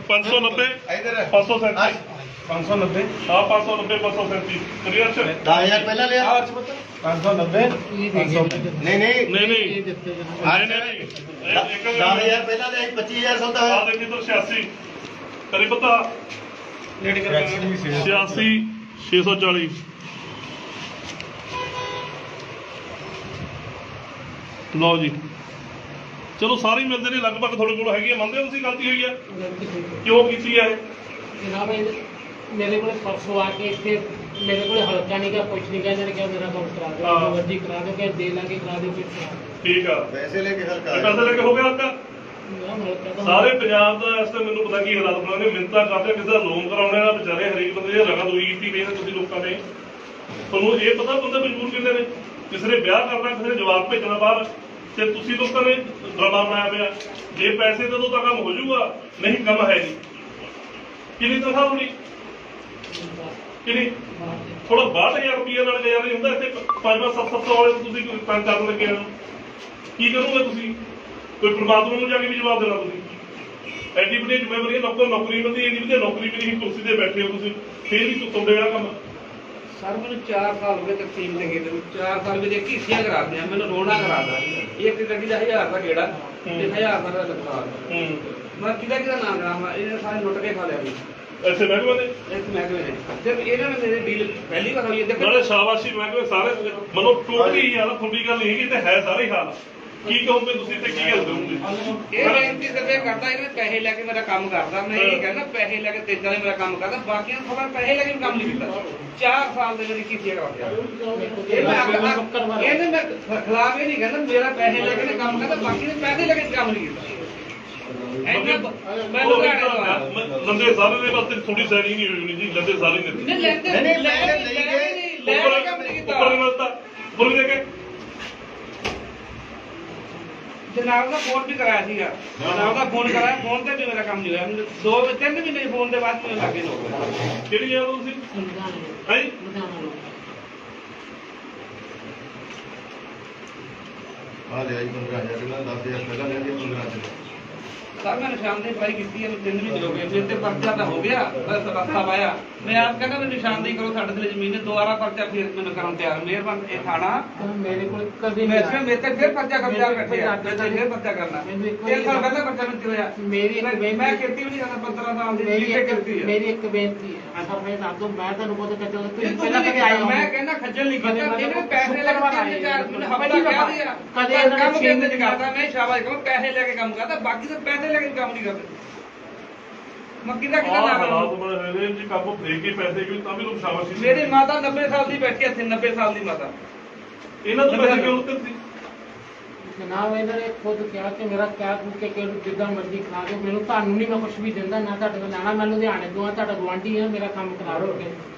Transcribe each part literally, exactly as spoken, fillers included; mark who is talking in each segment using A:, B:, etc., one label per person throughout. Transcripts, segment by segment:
A: पाँच सौ नब्बे पाँच सौ सैंतीस
B: पाँच सौ नब्बे
A: हाँ पाँच सौ नब्बे पाँच सौ सैंतीस क्लियर से
C: दस हजार पहला लिया
B: पाँच सौ नब्बे
C: नहीं नहीं
A: नहीं नहीं नहीं नहीं
C: दस हजार पहला लिया पच्चीस हजार सौदा है
A: देखिए तो छियासी करी पता छियासी छे सौ चालीस लो जी चलो सारे मिलते हैं लगभग थोड़े को है मनते हो गलती हुई है क्यों की है
D: जनाब मेरे को परसों आके इतने मेरे को हल्का नहीं क्या कुछ नहीं क्या इन्होंने क्या मेरा काम करा दो जो मर्जी करा दो क्या दे लाके करा दो कुछ करा दो
A: ठीक है
C: पैसे लेके हल्का
A: पैसे लेके हो गया हल्का
D: हल्का
A: ਸਾਰੇ ਪੰਜਾਬ ਦਾ ਇਸ ਤੇ ਮੈਨੂੰ ਪਤਾ ਕੀ ਹਾਲਾਤ ਬਣਾਉਣੇ ਮਿੰਤਾ ਕਰਦੇ ਕਿਸੇ ਦਾ ਲੋਨ ਕਰਾਉਣੇ ਦਾ ਵਿਚਾਰੇ ਹਰੇਕ ਬੰਦੇ ਦੀ ਰਗਤ ਹੋਈ ਕੀਤੀ ਪਈ ਨੇ ਤੁਸੀਂ ਲੋਕਾਂ ਨੇ ਤੁਹਾਨੂੰ ਇਹ ਪਤਾ ਬੰਦੇ ਮਜਬੂਰ ਕਿੰਨੇ ਨੇ ਕਿਸੇ ਨੇ ਵਿਆਹ ਕਰਨਾ ਕਿਸੇ ਨੇ ਜਵਾਬ ਭੇਜਣਾ ਬਾਹਰ ਤੇ ਤੁਸੀਂ ਲੋਕਾਂ ਨੇ ਡਰਾਮਾ ਬਣਾਇਆ ਪਿਆ ਜੇ ਪੈਸੇ ਦੇ ਦੋ ਤਾਂ ਕੰਮ ਹੋ ਜਾਊਗਾ ਨਹੀਂ ਕੰਮ ਹੈ ਨਹੀਂ ਕਿੰਨੀ ਤਨਖਾਹ ਹੋਣੀ ਕਿੰਨੀ ਥੋੜਾ ਬਾਹਠ ਹਜ਼ਾਰ ਰੁਪਈਆ ਨਾਲ ਗਿਆ ਨਹੀਂ ਹੁੰਦਾ ਇੱਥੇ ਪੰਜ ਪੰਜ ਸੱਤ ਸੱਤ ਸੌ ਵਾਲੇ ਤੁਸੀਂ ਕੰਮ ਕਰਨ ਲੱਗੇ ਹੋ ਕੀ ਕਰੋਗੇ ਤੁਸੀਂ ਕੋਈ ਪਰਮਾਤਮਾ ਨੂੰ ਜਾ ਕੇ ਵੀ ਜਵਾਬ ਦੇਣਾ ਤੁਸੀਂ ਐਡੀ ਵੱਡੀ ਜ਼ਿੰਮੇਵਾਰੀ ਨੌਕਰ ਨੌਕਰੀ ਮਿਲਦੀ ਐਡੀ ਵਧੀਆ ਨੌਕਰੀ ਵੀ ਨਹੀਂ ਕੁਰਸੀ ਤੇ ਬੈਠੇ ਹੋ ਤੁਸੀਂ ਫੇਰ ਵੀ ਤੁੰਦੇ ਵਾਲਾ ਕੰਮ
E: सर मैं चार साल हो गए तकसीम के गेट चार साल में घीसियां करा दिया मैंने रोना करा दा एक गड्डी का हजार का गेड़ा हजार का लगता मैं किदा किदा ना करा इन्हें सारे लुट के खा लिया
A: ऐसे महकमे ने
E: इस महकमे ने जब इन्होंने मेरे डील पहली बार हुई है
A: ਨਾਲੇ ਸ਼ਾਬਾਸ਼ੀ महकमे ਸਾਰੇ ਮਨੋ ਟੋਟਲੀ ਹੀ ਹਾਲ ਤੁਹਾਡੀ ਗੱਲ ਨਹੀਂ ਹੈਗੀ ਤੇ ਹੈ ਸਾਰੇ ਹਾਲ ਕੀ ਕਹੋਗੇ ਤੁਸੀਂ ਤੇ ਕੀ ਗੱਲ ਕਰੋਗੇ
E: ਇਹ ਬੇਨਤੀ ਕਰਦੇ ਕਰਦਾ ਇਹਨੇ ਪੈਸੇ ਲੈ ਕੇ ਮੇਰਾ ਕੰਮ ਕਰਦਾ ਮੈਂ ਇਹ ਕਹਿੰਦਾ ਪੈਸੇ ਲੈ ਕੇ ਤੇਜ਼ਾਂ ਨੇ ਮੇਰਾ ਕੰਮ ਕਰਦਾ ਬਾਕੀਆਂ ਨੂੰ ਖਬਰ ਪੈਸੇ ਲੈ ਕੇ ਕੰਮ ਨਹੀਂ ਕੀਤਾ ਚਾਰ ਸਾਲ ਦੇ ਮੇਰੀ ਕੀਤੀ ਕਰਾ ਦਿਆ ਇਹ ਮੈਂ ਇਹਨੇ ਮੈਂ ਖਿਲਾਫ ਇਹ ਨਹੀਂ ਕਹਿੰਦਾ ਮੇਰਾ ਪੈਸੇ ਲੈ ਕੇ ਕੰਮ ਕਰਦਾ ਬਾਕੀ ਨੇ ਪੈਸੇ ਲੈ ਕੇ ਕੰਮ ਨਹੀਂ ਕੀਤਾ ਮੈਂ ਲੁਧਿਆਣੇ ਤੋਂ ਆਇਆ
A: ਲੰਦੇ ਸਾਰੇ ਦੇ ਵਾਸਤੇ ਥੋੜੀ ਸੈਣੀ ਨਹੀਂ ਹੋਈ ਜੀ ਲੰਦੇ ਸਾਰੇ ਨੇ
E: ਨਹੀਂ ਲੈਂਦੇ ਨਹੀਂ ਲੈ ਲੈ ਕੇ ਕੰਮ ਨਹੀਂ ਕੀਤਾ
A: ਉੱਪਰ ਮਿਲਦਾ ਉੱਪਰ ਦੇ ਕੇ
E: ਜਨਾਬ ਦਾ ਫੋਨ ਵੀ ਕਰਾਇਆ ਸੀਗਾ ਜਨਾਬ ਦਾ ਫੋਨ ਕਰਾਇਆ ਫੋਨ ਤੇ ਵੀ ਮੇਰਾ ਕੰਮ ਨਹੀਂ ਹੋਇਆ ਦੋ ਤਿੰਨ ਮਹੀਨੇ ਫੋਨ ਦੇ ਬਾਅਦ ਮੈਨੂੰ ਲੱਗੇ ਲੋਕ
A: ਕਿਹੜੀ ਜਗ੍ਹਾ ਤੁਸੀਂ ਹੈ
C: ਆ ਲਿਆ ਜੀ पंद्रह हजार पहला दस हजार पहला लिया पंद्रह हजार
E: सर मैं निशानदेही अप्लाई की है तीन महीने हो गए फिर तो पर्चा तो हो गया बस रस्ता पाया मैं आप कहना मैं निशानदेही करो साढ़े दिल जमीन दोबारा पर्चा फिर मैंने करन तैयार मेहरबान ये थाना
D: मेरे को कभी
E: मैं मेरे ते फिर पर्चा कब्जा बैठे मैं फिर पर्चा करना तीन साल पहले पर्चा मिलती होया
D: मेरी
E: मैं खेती भी नहीं करना पंद्रह साल दी
D: मेरी एक
E: करती है
D: मेरी एक बेनती है सर मैं आप तो मैं ਤੁਹਾਨੂੰ ਬਹੁਤ ਕਹਿੰਦਾ ਤੁਸੀਂ ਪਹਿਲਾਂ ਕਦੇ ਆਏ ਹੋ
E: ਮੈਂ ਕਹਿੰਦਾ ਖੱਜਲ ਨਹੀਂ ਕੀਤਾ ਇਹਨੇ ਪੈਸੇ ਲੈ ਕੇ ਚਾਰ ਮੈਨੂੰ ਹਫਤਾ ਕਹਿ ਦਿਆ
D: ਕਦੇ
E: ਕੰਮ ਕਿੰਨੇ ਕਰਦਾ ਮੈਂ ਸ਼ਾਬਾਸ਼ ਕਹਾਂ ਪੈਸੇ ਲੈ ਕੇ ਕੰਮ ਕਰਦਾ ਬਾਕੀ ਤਾਂ ਪੈਸੇ ਲੈ ਕੇ ਕੰਮ ਨਹੀਂ ਕਰਦੇ ਮੱਕੀ ਦਾ ਕਿਹਦਾ ਨਾਮ
A: ਹਾਲਾਤ ਬਣੇ ਹੋਏ ਨੇ ਜੀ ਕੰਮ ਦੇ ਕੇ ਪੈਸੇ ਕਿਉਂ ਤਾਂ ਵੀ ਲੋਕ ਸ਼ਾਬਾਸ਼ੀ
E: ਮੇਰੀ ਮਾਤਾ ਨੱਬੇ ਸਾਲ ਦੀ ਬੈਠੀ ਇੱਥੇ ਨੱਬੇ ਸਾਲ ਦੀ ਮਾਤਾ
A: ਇਹਨਾਂ ਤੋਂ ਪੈਸੇ ਕਿਉਂ ਉੱਤਰਦੀ
D: ਜਨਾਬ ਇਹਨਾਂ ਨੇ ਖੁਦ ਕਿਹਾ ਕਿ ਮੇਰਾ ਕਿਆ ਕਿ ਕਿ ਜਿੱਦਾਂ ਮਰਜ਼ੀ ਕਰਾ ਦਿਓ ਮੈਨੂੰ ਤੁਹਾਨੂੰ ਨਹੀਂ ਮੈਂ ਕੁਝ ਵੀ ਦਿੰਦਾ ਨਾ ਤੁਹਾਡੇ ਕੋਲ ਲੈਣਾ ਮੈਂ ਲੁਧਿਆਣੇ ਤੋਂ ਆ ਤੁਹਾਡਾ ਗੁਆਂਢੀ ਆ ਮੇਰਾ ਕੰਮ ਕਰਾ ਦਿਓ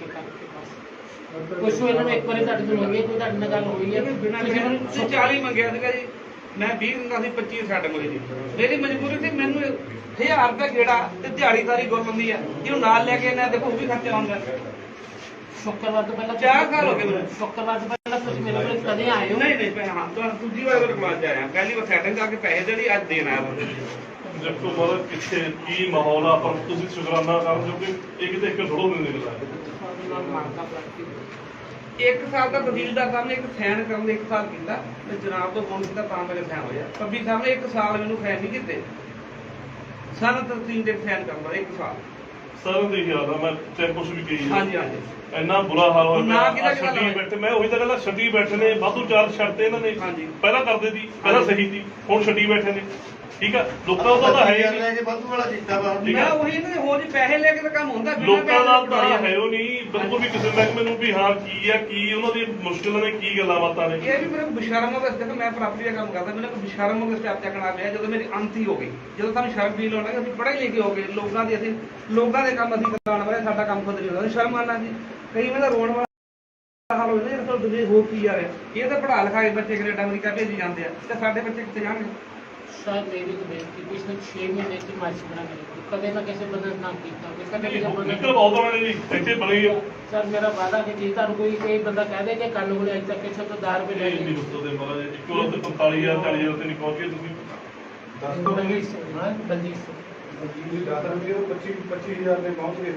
D: ਕੁਛ ਇਹਨਾਂ ਨੇ ਇੱਕ ਵਾਰੀ ਤੁਹਾਡੇ ਤੋਂ ਮੰਗੀ ਕੋਈ ਤੁਹਾਡੇ ਨਾਲ ਗੱਲ ਹੋਈ ਹੈ
E: ਬਿਨਾਂ ਤੁਸੀਂ ਚਾਲੀ ਮੰਗਿਆ ਸੀਗਾ ਜੀ ਮੈਂ ਵੀਹ ਦਿੰਦਾ ਸੀ ਪੱਚੀ ਛੱਡ ਕੋਲੇ ਜੀ ਮੇਰੀ ਮਜਬੂਰੀ ਸੀ ਮੈਨੂੰ ਹਜ਼ਾਰ ਰੁਪਏ ਗੇੜਾ ਤੇ ਦਿਹਾੜੀ ਸਾਰੀ ਗੁਰ ਹੁੰਦੀ ਆ ਜਿਹਨੂੰ ਨਾਲ ਲੈ ਕੇ ਇਹਨਾਂ ਦੇਖੋ ਉਹ ਵੀ ਖਰਚਾ ਆਉਂਦਾ
D: ਸ਼ੁੱਕਰਵਾਰ ਤੋਂ ਪਹਿਲਾਂ
E: ਚਾਰ ਸਾਲ ਹੋ ਗਏ ਮੈਨੂੰ
D: ਸ਼ੁੱਕਰਵਾਰ ਤੋਂ ਪਹਿਲਾਂ ਤੁਸੀਂ ਮੇਰੇ ਕੋਲ ਕਦੇ ਆਏ ਹੋ
E: ਨਹੀਂ ਨਹੀਂ ਮੈਂ ਹਾਂ ਤੁਹਾਨੂੰ ਦੂਜੀ ਵਾਰ ਮੇਰੇ ਕੋਲ ਆਇਆ ਪਹਿਲੀ ਵਾਰ ਸੈਟਿੰਗ ਕਰਕੇ ਪੈਸੇ ਦੇਣੀ ਅੱਜ ਦੇਣ ਆਇਆ ਬੰਦੇ
A: ਦੇਖੋ ਬਾਅਦ ਕਿੱਥੇ ਕੀ ਮਾਹੌਲ ਆ ਪਰ ਤੁਸੀਂ ਸ਼ੁਕਰਾਨਾ ਕਰਨ ਜੋ ਕਿ ਇਹ ਕਿਤੇ ਇੱਕ ਥੋੜੋ ਨਹੀਂ ਨਿਕਲਦਾ
E: ਇੱਕ ਸਾਲ ਦਾ ਤਹਿਸੀਲਦਾਰ ਸਾਹਿਬ ਨੇ ਇੱਕ ਸਾਈਨ ਕਰਨ ਦੇ ਇੱਕ ਸਾਲ ਕੀਤਾ ਤੇ ਜਨਾਬ ਤੋਂ ਫੋਨ ਕੀਤਾ ਤਾਂ ਮੇਰੇ ਸਾਈਨ ਹੋਇਆ ਪੱਬੀ ਸਾਹਿਬ ਨੇ ਇੱਕ ਸਾਲ ਮੈਨੂੰ ਸਾਈਨ ਨਹੀਂ ਕੀਤੇ ਸਾਰਾ ਤਹਿਸੀਲ ਦੇ ਸਾਈਨ ਕਰਦਾ ਇੱਕ ਸਾਲ
A: ਸਰ ਦੀ ਯਾਦ ਆ ਮੈਂ ਤੇ ਕੁਝ ਵੀ ਕਹੀ
E: ਹਾਂਜੀ ਹਾਂਜੀ
A: ਇੰਨਾ ਬੁਰਾ ਹਾਲ ਹੋਇਆ
E: ਨਾ ਕਿਹਦਾ
A: ਪਿਆ
E: ਕਿਹਦਾ
A: ਛੱਡੀ ਬੈਠੇ ਮੈਂ ਉਹੀ ਤਾਂ ਕਹਿੰਦਾ ਛੱਡੀ ਬੈਠੇ ਨੇ ਵਾਧੂ ਚਾਰ ਛੱਡਤੇ ਇਹਨਾਂ ਨੇ
E: ਹਾਂਜੀ
A: ਪਹਿਲਾਂ ਕਰਦੇ ਸੀ ਪਹਿਲਾਂ ਸਹੀ ਸੀ ਹੁਣ ਛੱਡੀ ਬੈਠੇ ਨੇ ਠੀਕ ਆ ਲੋਕਾਂ ਦਾ ਤਾਂ ਹੈ ਹੀ
C: ਲੈ ਕੇ ਵਾਧੂ ਵਾਲਾ ਕੀਤਾ ਵਾ
E: ਮੈਂ ਉਹੀ ਇਹਨਾਂ ਦੇ ਹੋਰ ਜੀ ਪੈਸੇ ਲੈ ਕੇ ਤਾਂ ਕੰਮ ਹੁੰਦਾ
A: ਲੋਕਾਂ ਦਾ ਤਾਂ ਹੈ ਉਹ ਨਹੀਂ ਬਿਲਕੁਲ ਵੀ ਕਿਸੇ ਮਹਿਕਮੇ ਨੂੰ ਵੀ ਹਾਂ ਕੀ ਆ ਕੀ ਉਹਨਾਂ ਦੀ ਮੁਸ਼ਕਿਲਾਂ ਨੇ ਕੀ ਗੱਲਾਂ ਬਾਤਾਂ ਨੇ
E: ਇਹ ਵੀ ਮੇਰੇ ਬਿਸ਼ਰਮ ਹੋ ਗਿਆ ਮੈਂ ਪ੍ਰਾਪਰਟੀ ਦਾ ਕੰਮ ਕਰਦਾ ਮੈਨੂੰ ਕੋਈ ਬਿਸ਼ਰਮ ਹੋ ਗਿਆ ਸਟੈਪ ਚੱਕਣਾ ਪਿਆ ਜਦੋਂ ਮੇਰੀ ਅੰਤ ਹੀ ਹੋ ਗਈ ਜਦੋਂ ਸਾਨੂੰ ਸ਼ਰਮ ਫੀਲ ਹੋਣਾ ਕਿ ਅਸੀਂ ਪੜ੍ਹੇ ਲਿਖੇ ਹੋ ਗਏ ਲੋਕਾਂ ਦੇ ਅਸੀਂ ਲੋਕਾਂ ਦੇ ਕੰਮ ਅਸੀਂ ਕਰਾਉਣ ਵਾਲੇ ਸਾਡਾ ਕੰਮ ਖੁਦ ਨਹੀਂ ਹੁੰਦਾ ਸ਼ਰਮ ਆਣਾ ਜੀ ਕਈ ਵਾਰ ਰੋਣ ਵਾਲਾ ਹਾਲ ਹੋ ਜਾਂਦਾ ਇਹ ਤਾਂ ਦੁਨੀਆ ਹੋ ਕੀ ਆ ਰਿਹਾ ਇਹ ਤਾਂ ਪੜ੍ਹਾ ਲਿਖਾ ਕੇ ਬੱਚੇ ਕੈਨੇਡਾ ਅਮਰੀਕਾ ਭੇਜੀ ਜਾਂਦੇ ਆ ਤੇ ਸਾਡੇ ਬੱਚੇ ਕਿੱਥੇ ਜਾਣਗੇ
D: शायद मेरी तो बेनती पिछले छह महीने की मार्च बना मेरे कदे ना कैसे बदल ना किया कदे भी
A: ਨਿਕਲ ਬਹੁਤ ਬਣੇ ਜੀ ਇੱਥੇ ਬਣੀ ਆ
D: सर मेरा वादा कि जी ਤੁਹਾਨੂੰ ਕੋਈ ਕੋਈ ਬੰਦਾ ਕਹਿ ਦੇ ਕਿ ਕੱਲ ਨੂੰ ਅਜੇ ਤੱਕ ਕਿਸੇ ਤੋਂ ਦਸ ਰੁਪਏ ਲੈ
A: ਨਹੀਂ
D: ਲਈ
A: ਦੱਸੋ ਦੇ ਮਹਾਰਾਜ ਇੱਕੋ ਲੱਖ ਪੰਤਾਲੀ ਹਜ਼ਾਰ ਚਾਲੀ ਹਜ਼ਾਰ ਤੇ ਨਹੀਂ ਪਹੁੰਚੇ ਤੁਸੀਂ
D: ਬਲਜੀਤ ਸਿੰਘ ਬਲਜੀਤ ਸਿੰਘ
B: ਤੁਸੀਂ ਦਸ ਰੁਪਏ ਤੋਂ ਪੱਚੀ ਪੱਚੀ ਹਜ਼ਾਰ ਦੇ ਪਹੁੰਚ ਗਏ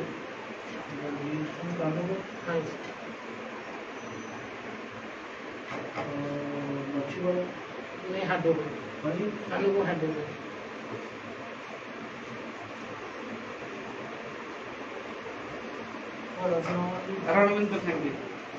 D: ਹਾਂਜੀ
B: ਮੱਛੀ ਵਾਲਾ
D: ਨਹੀਂ ਹੱਡੋ
B: ਹਾਂਜੀ
D: ਸਾਨੂੰ ਕੋ ਹੱਡੋ
E: ਰਣਵਿੰਦਰ ਸਿੰਘ ਜੀ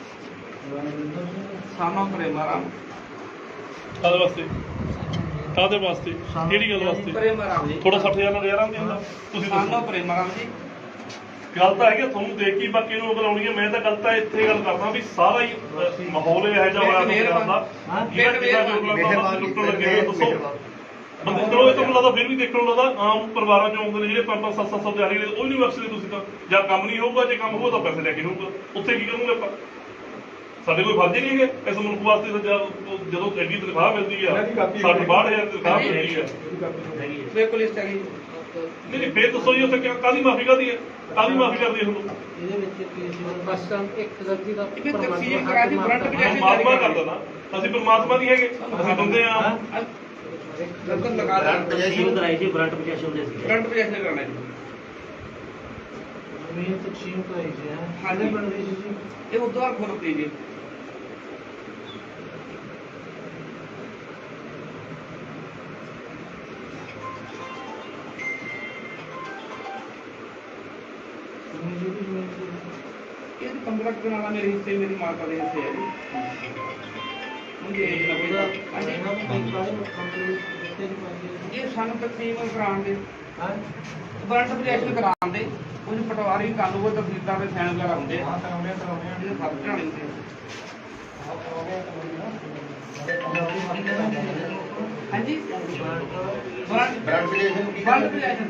E: ਸਾਨੋ ਪ੍ਰੇਮਾ ਰਾਮ
A: ਕਾਹਦੇ ਵਾਸਤੇ ਕਾਹਦੇ ਵਾਸਤੇ ਕਿਹੜੀ ਗੱਲ ਵਾਸਤੇ
E: ਪ੍ਰੇਮਾ ਰਾਮ ਜੀ
A: ਥੋੜਾ ਸੱਠ ਹਜ਼ਾਰ ਨਾਲ ਨਜ਼ਾਰਾ ਨਹੀਂ ਹੁੰਦਾ ਤੁਸੀਂ
E: ਸਾਨੋ
A: ਦੱਸੋ
E: ਪ੍ਰੇਮਾ ਰਾਮ ਜੀ
A: ਗੱਲ ਤਾਂ ਹੈ ਕਿ ਤੁਹਾਨੂੰ ਦੇਖ ਕੇ ਬਾਕੀ ਨੂੰ ਬੁਲਾਉਣੀ ਹੈ ਮੈਂ ਤਾਂ ਗੱਲ ਤਾਂ ਇੱਥੇ ਗੱਲ ਕਰਦਾ ਵੀ ਸਾਰਾ ਹੀ ਅਹ, ਮਾਹੌਲ ਇਹ ਜਿਹਾ ਹੋਇਆ ਪੰਜਾਬ ਦਾ ਜਿਹੜਾ ਜਿਹੜਾ ਵੀ ਉਪਲਬਧ ਲੁੱਟਣ ਲੱਗੇ ਹੋਏ ਦੱਸੋ ਬੰਦੇ ਚਲੋ ਇਹ ਤਾਂ ਮੈਨੂੰ ਲੱਗਦਾ ਫਿਰ ਵੀ ਦੇਖਣ ਨੂੰ ਲੱਗਦਾ ਆਮ ਪਰਿਵਾਰਾਂ ਚੋਂ ਆਉਂਦੇ ਨੇ ਜਿਹੜੇ ਪੰਜ ਪੰਜ ਸੱਤ ਸੱਤ ਸੌ ਦਿਹਾੜੀ ਦੇ ਉਹ ਨਹੀਂ ਬਖਸ਼ਦੇ ਤੁਸੀਂ ਤਾਂ ਜਾਂ ਕੰਮ ਨਹੀਂ ਹੋਊਗਾ ਜੇ ਕੰਮ ਹੋਊਗਾ ਤਾਂ ਪੈਸੇ ਲੈ ਕੇ ਹੋਊਗਾ ਉੱਥੇ ਕੀ ਕਰੂਗੇ ਆਪਾਂ ਸਾਡੇ ਕੋਈ ਫਰਜ਼ ਨਹੀਂ ਹੈਗੇ ਇਸ ਮੁਲਕ ਵਾਸਤੇ ਤਾਂ ਜਦ- ਜਦੋਂ ਐਡੀ ਤਨਖਾਹ ਮਿਲਦੀ ਆ ਸੱਠ ਬਾਹਠ ਹਜ਼ਾਰ ਦੀ ਤਨਖਾਹ ਮਿਲਦੀ ਆ
E: ਬਿਲਕੁਲ ਇਸ ਤਰ੍ਹਾਂ ਹੀ
A: ਨਹੀਂ ਨਹੀਂ ਫੇਰ ਦੱਸੋ ਜੀ ਉੱਥੇ ਕਿਆ- ਕਾਹਦੀ ਮਾਫੀ ਕਾਹਦੀ ਹੈ ਕਾਹਦੀ ਮਾਫੀ ਕਰਦੀ ਹੈ ਤੁਹਾਨੂੰ
D: ਇਹਦੇ ਵਿੱਚ ਕੀ ਸੀ ਬਸ ਤਾਂ ਇੱਕ ਗਲਤੀ ਦਾ
E: ਇਹ ਤਕਸੀਮ ਕਰਾ ਦੀ ਫਰੰਟ ਵੀ
A: ਪਰਮਾਤਮਾ ਕਰਦਾ ਨਾ ਅਸੀਂ ਪਰਮਾਤਮਾ ਨਹੀਂ ਹੈਗੇ ਅਸੀਂ ਬੰਦੇ ਆ
E: ਲਗਨ ਲਗਾ ਦੇ
F: ਤਕਸੀਮ ਕਰਾਈ ਸੀ ਬਰੰਟ ਪਚਾਸੀ ਹੁੰਦੇ ਸੀ
E: ਫਰੰਟ ਵੀ ਐਸੇ ਕਰਨਾ ਜੀ
D: ਮੈਂ ਤਕਸੀਮ ਕਰਾਈ ਸੀ ਹਾਂ
E: ਹਾਂਜੀ।
D: ਬਣ ਰਹੀ ਸੀ
E: ਇਹ ਉਦੋਂ ਖੁਰਤੀ ਜੀ ਇਹ ਪੰਦਰਾਂ ਕੁ ਦਿਨਾਂ ਦਾ ਮੇਰੇ ਹਿੱਸੇ ਮੇਰੀ ਮਾਤਾ ਦੇ ਹਿੱਸੇ ਹੈ ਜੀ ਮੁੰਡੇ ਇਹ ਨਾ
D: ਉਹਦਾ
E: ਹਾਂਜੀ।
D: ਇਹਨਾਂ ਨੂੰ ਕੋਈ ਕਾਹਦੇ ਕੰਪਨੀ ਦਿੱਤੇ ਨਹੀਂ ਪਾਈ
E: ਇਹ ਸਾਨੂੰ ਤਕਸੀਮ ਕਰਾਉਣ ਦੇ
D: ਹਾਂ
E: ਬਰੰਟ ਪ੍ਰੋਜੈਕਸ਼ਨ ਕਰਾਉਣ ਦੇ ਕੁਝ ਪਟਵਾਰੀ ਕਾਨੂੰਨ ਕੋਈ ਤਸਦੀਕਾਂ ਦੇ ਸਾਈਨ ਵਗੈਰਾ ਹੁੰਦੇ ਆ
B: ਕਰਾਉਣੇ ਕਰਾਉਣੇ
E: ਇਹਦੇ ਫਰਕ ਝਾਣੇ ਹੁੰਦੇ ਹਾਂਜੀ ਬਰੰਟ
C: ਬ੍ਰਾਂਡ ਪੀਲੀਏਸ਼ਨ ਕੀ
E: ਬਰੰਟ ਪ੍ਰੋਜੈਕਸ਼ਨ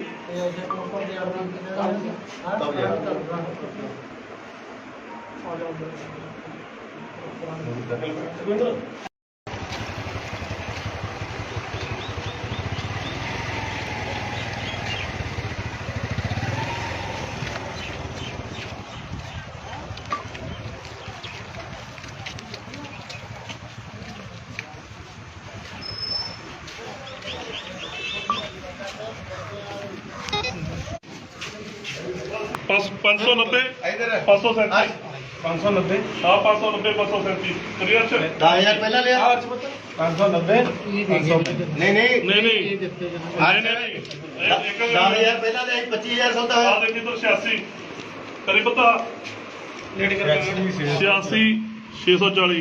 A: ਪੰਜ ਸੌ ਨੱਬੇ
C: ਇਧਰ
A: ਪੰਜ ਸੌ ਸੈਂਤੀ
B: ਪੰਜ ਸੌ ਨੱਬੇ
A: ਹਾਂ ਪੰਜ ਸੌ ਨੱਬੇ ਪੰਜ ਸੌ ਸੈਂਤੀ ਕਲੀਅਰ ਚ
C: ਦਸ ਹਜ਼ਾਰ ਪਹਿਲਾਂ ਲਿਆ
B: ਪੰਜ ਸੌ ਨੱਬੇ ਪੰਜ ਸੌ
C: ਨਹੀਂ ਨਹੀਂ
A: ਨਹੀਂ ਨਹੀਂ
D: ਇਹ ਦਿੱਤੇ ਜਨ
A: ਨਹੀਂ ਨਹੀਂ ਨਹੀਂ ਇਹ ਇੱਕ
C: ਦਸ ਹਜ਼ਾਰ ਪਹਿਲਾਂ ਲਿਆ ਪੱਚੀ ਹਜ਼ਾਰ ਸੌਦਾ
A: ਆ
C: ਹੋਇਆ
A: ਦੇਖੀ ਤਾਂ ਛਿਆਸੀ ਕਰੀ ਪਤਾ
E: ਨੇੜੇ ਕਰ
A: ਛਿਆਸੀ ਛੇ ਸੌ ਚਾਲੀ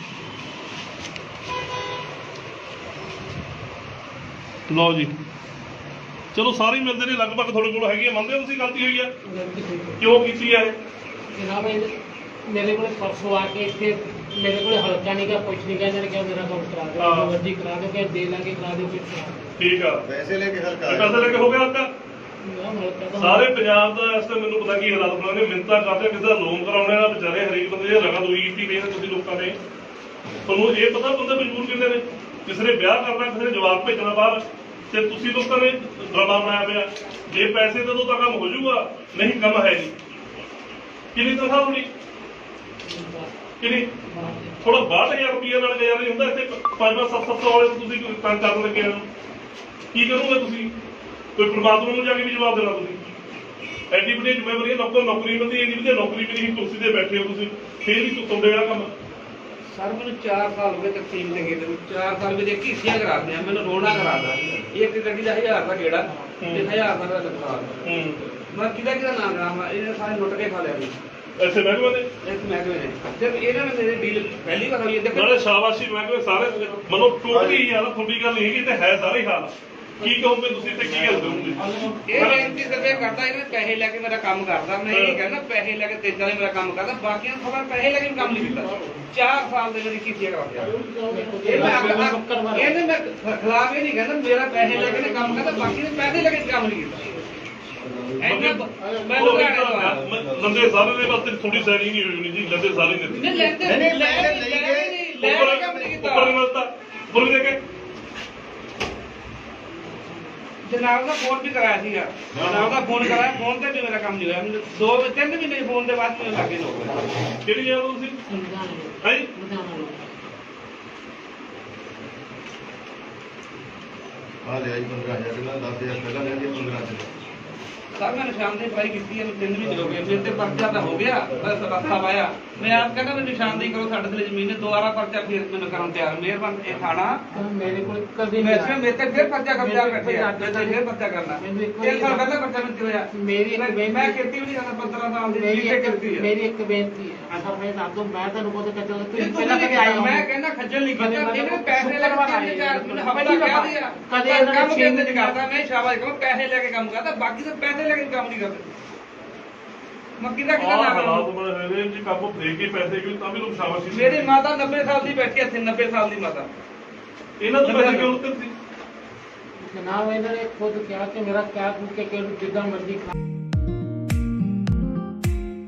A: ਲਓ ਜੀ ਚਲੋ ਸਾਰੇ ਹੀ ਮਿਲਦੇ ਨੇ ਲਗਭਗ ਤੁਹਾਡੇ ਕੋਲ ਹੈਗੀ ਆ ਮੰਨਦੇ ਹੋ ਤੁਸੀਂ ਗਲਤੀ ਹੋਈ ਆ
D: ਗਲਤੀ ਹੋਈ
A: ਕਿਉਂ ਕੀਤੀ ਆ ਇਹ
D: ਜਨਾਬ ਇਹ ਮੇਰੇ ਕੋਲ ਪਰਸੋਂ ਆ ਕੇ ਇੱਥੇ ਮੇਰੇ ਕੋਲ ਹਲਕਾ ਨਹੀਂ ਗਾ ਕੁਛ ਨਹੀਂ ਗਾ ਇਹਨਾਂ ਨੇ ਕਿਹਾ ਮੇਰਾ ਕੰਮ ਕਰਾ ਦਿਓ
A: ਹਾਂ।
D: ਜੋ ਮਰਜ਼ੀ ਕਰਾ ਦਿਓ ਕਿ ਦੇ ਲਾਂਗੇ ਕਰਾ ਦਿਓ ਫਿਰ ਕਰਾ
A: ਠੀਕ ਆ
C: ਪੈਸੇ ਲੈ ਕੇ ਹਲਕਾ
A: ਇਹ ਪੈਸੇ ਲੈ ਕੇ ਹੋ ਗਿਆ ਹਲਕਾ
D: ਦਿਓ ਮੈਂ ਹਲਕਾ ਤਾਂ
A: ਸਾਰੇ ਪੰਜਾਬ ਦਾ ਇਸ ਤੇ ਮੈਨੂੰ ਪਤਾ ਕੀ ਹਾਲਾਤ ਬਣਾਉਣੇ ਮਿੰਤਾ ਕਰਦੇ ਕਿਸੇ ਦਾ ਲੋਨ ਕਰਾਉਣੇ ਦਾ ਵਿਚਾਰੇ ਹਰੇਕ ਬੰਦੇ ਦੀ ਰਗਾ ਦੋਈ ਕੀਤੀ ਪਈ ਨੇ ਤੁਸੀਂ ਲੋਕਾਂ ਨੇ ਤੁਹਾਨੂੰ ਇਹ ਪਤਾ ਬੰਦੇ ਮਜਬੂਰ ਕਿੰਨੇ ਨੇ ਕਿਸੇ ਨੇ ਵਿਆਹ ਕਰਨਾ ਕਿਸੇ ਨੇ ਜਵਾਬ ਭੇਜਣਾ ਬਾਹਰ ਤੇ ਤੁਸੀਂ ਲੋਕਾਂ ਨੇ ਡਰਾਮਾ ਬਣਾਇਆ ਪਿਆ ਜੇ ਪੈਸੇ ਦੇ ਦੋ ਤਾਂ ਕੰਮ ਹੋ ਜਾਊਗਾ ਨਹੀਂ ਕੰਮ ਹੈ ਨਹੀਂ ਕਿੰਨੀ ਤਨਖਾਹ ਹੋਣੀ ਕਿੰਨੀ ਥੋੜਾ ਬਾਹਠ ਹਜ਼ਾਰ ਰੁਪਈਆ ਨਾਲ ਗੁਜ਼ਾਰਾ ਨਹੀਂ ਹੁੰਦਾ ਇੱਥੇ ਪੰਜ ਪੰਜ ਸੱਤ ਸੱਤ ਸੌ ਵਾਲੇ ਤੁਸੀਂ ਕੰਮ ਕਰਨ ਲੱਗੇ ਹੋ ਕੀ ਕਰੋਗੇ ਤੁਸੀਂ ਕੋਈ ਪ੍ਰਮਾਤਮਾ ਨੂੰ ਜਾ ਕੇ ਵੀ ਜਵਾਬ ਦੇਣਾ ਤੁਸੀਂ ਐਡੀ ਵੱਡੀ ਜ਼ਿੰਮੇਵਾਰੀ ਹੈ ਨੌਕਰ ਨੌਕਰੀ ਮਿਲਦੀ ਐਡੀ ਵਧੀਆ ਨੌਕਰੀ ਵੀ ਨਹੀਂ ਕੁਰਸੀ ਤੇ ਬੈਠੇ ਹੋ ਤੁਸੀਂ ਫੇਰ ਵੀ ਤੁੱਤੋਂ ਦੇਗਾ ਕੰਮ
E: ਸਰ ਮੈਨੂੰ ਚਾਰ ਸਾਲ ਹੋ ਗਏ ਤਕਸੀਮ ਦੇ ਗਏ ਨੂੰ ਚਾਰ ਸਾਲ ਵਿੱਚ ਇੱਕ ਹਿੱਸਿਆ ਕਰਾ ਦਿਆਂ ਮੈਨੂੰ ਰੋਣਾ ਕਰਾਦਾ ਇੱਕ ਗੱਡੀ ਦਾ ਹਜ਼ਾਰ ਦਾ ਗੇੜਾ ਤੇ ਹਜ਼ਾਰ ਦਾ ਨੁਕਸਾਨ
A: ਹੂੰ
E: ਮੈਂ ਕਿਹਦਾ ਕਿਹਦਾ ਨਾਮ ਕਰਾਵਾਂ ਇਹਨੇ ਸਾਰੇ ਲੁੱਟ ਕੇ ਖਾ ਲਿਆ ਜੀ
A: ਐਸੇ ਮਹਿਕਮੇ ਦੇ
E: ਇਸ ਮਹਿਕਮੇ ਨੇ ਜਦ ਇਹਨਾਂ ਨੇ ਮੇਰੇ ਡੀਲ ਪਹਿਲੀ ਵਾਰ ਹੋਈ ਹੈ ਦੇਖੋ
A: ਨਾਲੇ ਸ਼ਾਬਾਸ਼ੀ ਮਹਿਕਮੇ ਸਾਰੇ ਮਨੋ ਟੋਟਲੀ ਹੀ ਹਾਲ ਤੁਹਾਡੀ ਗੱਲ ਨਹੀਂ ਹੈਗੀ ਤੇ ਹੈ ਸਾਰੇ ਹੀ ਹਾਲ ਕੀ ਕਹੋਗੇ ਤੁਸੀਂ ਤੇ ਕੀ ਗੱਲ ਕਰੋਗੇ
E: ਇਹ ਬੇਨਤੀ ਕਰਦੇ ਕਰਦਾ ਇਹਨੇ ਪੈਸੇ ਲੈ ਕੇ ਮੇਰਾ ਕੰਮ ਕਰਦਾ ਮੈਂ ਇਹ ਕਹਿੰਦਾ ਪੈਸੇ ਲੈ ਕੇ ਤੇਜ਼ਾਂ ਨੇ ਮੇਰਾ ਕੰਮ ਕਰਦਾ ਬਾਕੀਆਂ ਨੂੰ ਖਬਰ ਪੈਸੇ ਲੈ ਕੇ ਵੀ ਕੰਮ ਨਹੀਂ ਕੀਤਾ ਚਾਰ ਸਾਲ ਦੇ ਮੇਰੀ ਕੀਤੀ ਕਰਾ ਦਿਆ ਇਹ ਮੈਂ ਆਖਦਾ- ਇਹਨੇ ਮੈਂ ਖਿਲਾਫ ਇਹ ਨਹੀਂ ਕਹਿੰਦਾ ਮੇਰਾ ਪੈਸੇ ਲੈ ਕੇ ਨੇ ਕੰਮ ਕਰਦਾ ਬਾਕੀ ਨੇ ਪੈਸੇ ਲੈ ਕੇ ਕੰਮ ਨਹੀਂ ਕੀਤਾ ਐਨਾ ਮੈਂ ਲੁਧਿਆਣੇ ਤੋਂ ਆਇਆ।
A: ਲੰਦੇ ਸਾਰੇ ਦੇ ਵਾਸਤੇ ਥੋੜੀ ਸਾਈਡਿੰਗ ਨਹੀਂ ਹੋਈ ਹੋਣੀ ਜੀ ਲੰਦੇ ਸਾਰੇ ਨੇ
E: ਨਹੀਂ ਲੈਂਦੇ
C: ਨਹੀਂ, ਨਹੀਂ,
E: ਲੈ
C: ਲੈ
E: ਨਹੀਂ
C: ਕੇ
E: ਲੈ
A: ਉੱਪਰ
E: ਕੇ ਕੰਮ ਨਹੀਂ
A: ਉੱਪਰ
E: ਕੀਤਾ
A: ਮਿਲਦਾ ਉੱਪਰ ਵੀ ਦੇ ਕੇ
E: ਜਨਾਬ ਦਾ ਫੋਨ ਵੀ ਕਰਾਇਆ ਸੀਗਾ ਜਨਾਬ ਦਾ ਫੋਨ ਕਰਾਇਆ ਫੋਨ ਤੇ ਵੀ ਮੇਰਾ ਕੰਮ ਨਹੀਂ ਹੋਇਆ ਮੈਨੂੰ ਦੋ ਤਿੰਨ ਮਹੀਨੇ ਫੋਨ ਦੇ ਬਾਅਦ ਮੈਨੂੰ ਲੱਗੇ ਲੋਕ
A: ਕਿਹੜੀ ਜਗ੍ਹਾ ਤੋਂ ਤੁਸੀਂ
D: ਲੁਧਿਆਣੇ
A: ਹੈ
D: ਲੁਧਿਆਣਾ ਲੋਕ
C: ਆ ਲਿਆ ਜੀ ਪੰਦਰਾਂ ਹਜ਼ਾਰ ਪਹਿਲਾਂ ਦਸ ਹਜ਼ਾਰ ਪਹਿਲਾਂ ਲਿਆ ਜੀ ਪੰਦਰਾਂ ਹਜ਼ਾਰ
E: ਸਰ ਮੈਂ ਨਿਸ਼ਾਨਦੇਹੀ ਅਪਲਾਈ ਕੀਤੀ ਹੈ, ਮੈਂ ਤਿੰਨ ਮਹੀਨੇ ਹੋ ਗਏ, ਮੇਰੇ ਤੇ ਪਰਚਾ ਤਾਂ ਹੋ ਗਿਆ, ਬਸ ਰਸਤਾ ਪਾਇਆ। ਮੈਂ ਆਪ ਕਹਿੰਦਾ ਵੀ ਨਿਸ਼ਾਨਦੇਹੀ ਕਰੋ, ਸਾਡੇ ਤੇ ਜ਼ਮੀਨ ਹੈ, ਦੁਬਾਰਾ ਪਰਚਾ ਫਿਰ ਮੈਨੂੰ ਕਰਨ ਤਿਆਰ। ਮਿਹਰਬਾਨ ਇਹ ਥਾਣਾ
D: ਮੇਰੇ ਕੋਲ ਕਦੇ
E: ਮੈਂ
D: ਨਹੀਂ
E: ਮੇਰੇ ਤੇ ਫਿਰ ਪਰਚਾ ਕਬਜ਼ਾ ਕਰਦੇ ਆ, ਮੈਂ ਤੇ ਫਿਰ ਪਰਚਾ ਕਰਨਾ। ਤਿੰਨ ਸਾਲ ਪਹਿਲਾਂ ਪਰਚਾ ਮਿਲਤੀ ਹੋਇਆ।
D: ਮੇਰੀ ਇੱਕ
E: ਮੈਂ
D: ਬੇਨਤੀ-
E: ਮੈਂ ਖੇਤੀ ਵੀ ਨਹੀਂ ਕਰਦਾ, ਪੰਦਰਾਂ ਸਾਲ ਦੀ
D: ਮੇਰੀ
E: ਜਿੱਥੇ
D: ਇੱਕ
E: ਖੇਤੀ ਹੈ।
D: ਮੇਰੀ ਇੱਕ ਬੇਨਤੀ ਹੈ ਸਰ, ਮੈਂ ਦੱਸ ਦੂੰ, ਮੈਂ ਤੁਹਾਨੂੰ ਬਹੁਤ ਕਹਿੰਦਾ
E: ਇਹ
D: ਤੁਸੀਂ
E: ਤੂੰ
D: ਪਹਿਲਾਂ
E: ਨਹੀਂ
D: ਕਦੇ ਆਏ
E: ਕੀਤਾ,
D: ਹੋ
E: ਮੈਂ ਕਹਿੰਦਾ ਖੱਜਲ ਨਹੀਂ
D: ਕਦੇ
E: ਕੀਤਾ,
D: ਮੈਂ
E: ਇਹਨੇ ਪੈਸੇ ਲੈ ਕੇ
D: ਸ਼ੁੱਕਰਵਾਰ
E: ਤਿੰਨ ਚਾਰ ਮੈਨੂੰ
D: ਪਹਿਲੀ
E: ਹਫ਼ਤਾ
D: ਦਫ਼ਾ,
E: ਕਹਿ ਦਿਆ।
D: ਕਦੇ ਇਹਨਾਂ ਨੇ
E: ਕੰਮ
D: ਛੇ
E: ਕਿੰਨੇ
D: ਮਹੀਨੇ
E: ਕਰਦਾ, ਮੈਂ ਸ਼ਾਬਾਸ਼ ਕਹਾਂ, ਪੈਸੇ ਲੈ ਕੇ ਕੰਮ ਕਰਦਾ, ਬਾਕੀ ਤਾਂ ਪੈਸੇ ਲੈ ਕੇ ਕੰਮ ਨਹੀਂ ਕਰਦੇ। ਮੱਕੀ ਦਾ ਕਿਹਦਾ
A: ਆਹ
E: ਨਾਮ
A: ਹਾਲਾਤ
E: ਹੈ?
A: ਬਣੇ ਹੋਏ ਨੇ ਜੀ, ਕੰਮ ਦੇ ਕੇ ਪੈਸੇ ਕਿਉਂ ਤਾਂ ਵੀ ਲੋਕ ਸ਼ਾਬਾਸ਼ੀ ਦਿੰਦੇ
E: ਮੇਰੀ
A: ਨੇ।
E: ਮਾਤਾ ਨੱਬੇ ਸਾਲ ਦੀ ਬੈਠੀ ਇੱਥੇ, ਨੱਬੇ ਸਾਲ ਦੀ ਮਾਤਾ।
A: ਇਹਨਾਂ ਤੋਂ ਪੈਸੇ ਕਿਉਂ ਉੱਤੇ ਸੀ?
D: ਜਨਾਬ ਇਹਨਾਂ ਨੇ ਖੁਦ ਕਿਹਾ ਕਿ ਮੇਰਾ ਕਹਿ ਕੂ ਕੇ ਕਿ ਜਿੱਦਾਂ ਮਰਜ਼ੀ ਖਾ